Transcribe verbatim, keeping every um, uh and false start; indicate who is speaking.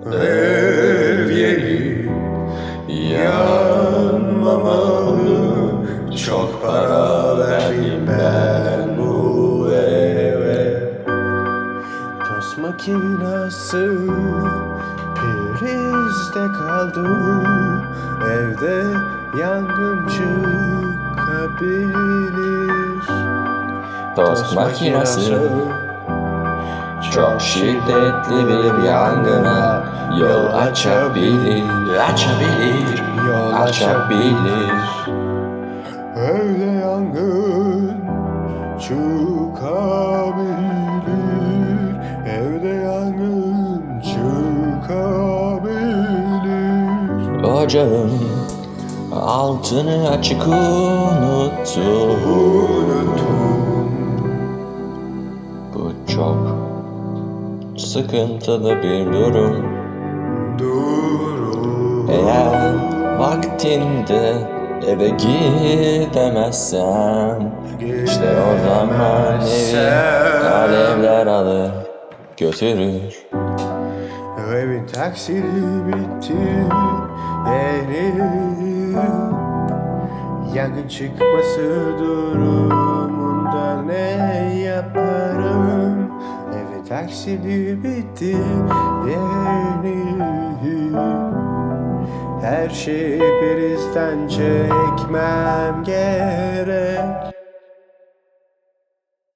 Speaker 1: Ev yeri yanmamalı. Çok para verdim ben bu eve. Tost makinası prizde kaldı. Evde yangın çıkabilir.
Speaker 2: Tost makinesi çok şiddetli bir yangına yol açabilir, açabilir,
Speaker 1: Yol
Speaker 2: açabilir.
Speaker 1: Evde yangın çıkabilir. Evde yangın çıkabilir.
Speaker 2: Ocağın altını açık unuttum.
Speaker 1: Unuttum.
Speaker 2: Bu çok sıkıntılı bir durum.
Speaker 1: Durum.
Speaker 2: Eğer vaktinde eve gidemezsem, işte o zaman evi alevler alır götürür.
Speaker 1: Evin taksidi bitti yeni. Yangın çıkması durumunda ne yaparım? Evin taksidi bitti yeni. Her şeyi prizden çekmem gerek.